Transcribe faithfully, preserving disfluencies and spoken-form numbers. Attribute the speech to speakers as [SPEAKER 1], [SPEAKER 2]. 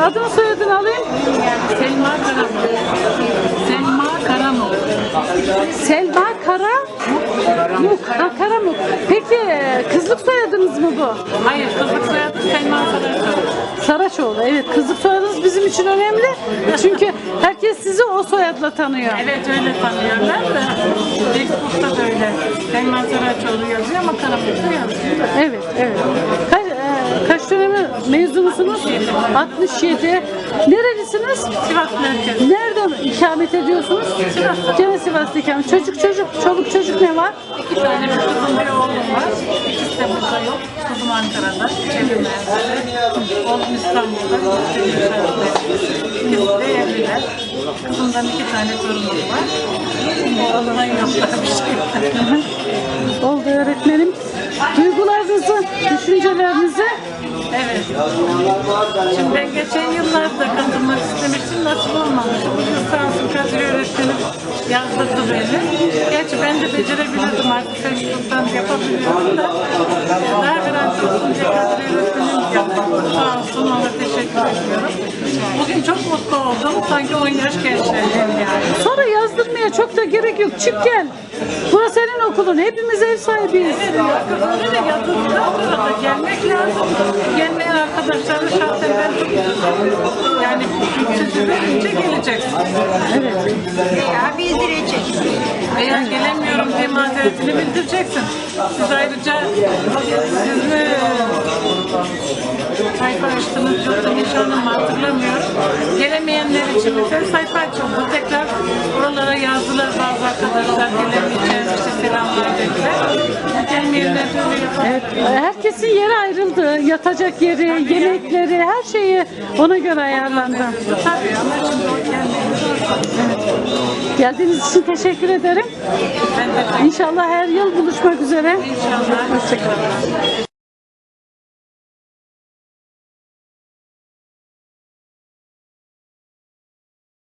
[SPEAKER 1] adını soyadını alayım.
[SPEAKER 2] Selma Karamuk. Selma Karamuk.
[SPEAKER 1] Selma Karamuk. Ha, Karamuk. Peki kızlık soyadınız mı bu?
[SPEAKER 2] Hayır, kızlık soyadı Selma Saraçoğlu.
[SPEAKER 1] Saraçoğlu. Evet, kızlık soyadınız bizim için önemli. Çünkü herkes sizi o soyadla tanıyor.
[SPEAKER 2] Evet, öyle tanıyorlar da Facebook'ta da öyle. Selma Saraçoğlu yazıyor ama Karamuk'ta yazıyor.
[SPEAKER 1] Evet, evet. Kaç, e, kaç dönemi mezunusunuz? altmış yedi. Nerelisiniz?
[SPEAKER 2] Sivas merkez.
[SPEAKER 1] Nerede ikamet ediyorsunuz?
[SPEAKER 2] Sivas'ta.
[SPEAKER 1] Gene Sivas'ta ikamet. Çocuk çocuk, çoluk çocuk ne var?
[SPEAKER 2] İki tane bir kızım bir oğlum var. İkisi de burada yok. Kızım Ankara'da. Çevre mühendisi. Oğlum İstanbul'da. İkisi de evliler. Kızımdan iki tane torunum var. Oğlumdan yoklar bir şey.
[SPEAKER 1] Oldu öğretmenim. Duygularınızı, düşüncelerinizi.
[SPEAKER 2] Evet. Şimdi ben geçen yıllarda katılmak istemiştim, nasip olmamış. Bu yıl sağ olsun Kadir öğretmenim yazdırdı beni. Gerçi ben de becerebilirdim artık, Facebook'tan yapabiliyorum da. Daha garanti olsun diye Kadir öğretmenim yaptı. Sağ olsun, ona teşekkür ediyorum. Bugün çok mutlu oldum. Sanki on yaş gençlerim yani.
[SPEAKER 1] Sonra yazdırmaya çok da gerek yok. Çık gel. Burası senin okulun. Hepimiz ev sahibiyiz.
[SPEAKER 2] Evet, öyle de yazıldıktan sonra da gelmek lazım. Gelmeyen arkadaşları şahsen ben çok üzüldüm. Yani sizi verince geleceksiniz.
[SPEAKER 1] Evet.
[SPEAKER 3] Ya bildirecek.
[SPEAKER 2] Eğer gelemiyorum diye mazeretini bildireceksin. Siz ayrıca siz mi sayfa açtınız yoksa nişanım mı hatırlamıyorum. Gelemeyenler için bir de sayfa açıldı. Tekrar oralara yazdılar bazı arkadaşlar gelemeyeceğiz işte selamlar dediler. Gelmeyenler de öyle yapar.
[SPEAKER 1] Evet. Herkesin yeri ayrıldı. Yatacak yeri, yemekleri, her şeyi ona göre ayarlandı.
[SPEAKER 2] Tabii ama şimdi o kendini
[SPEAKER 1] Geldiğiniz için teşekkür ederim.
[SPEAKER 2] ben de
[SPEAKER 1] İnşallah her yıl buluşmak üzere.
[SPEAKER 2] inşallah.
[SPEAKER 1] Hoşçakalın.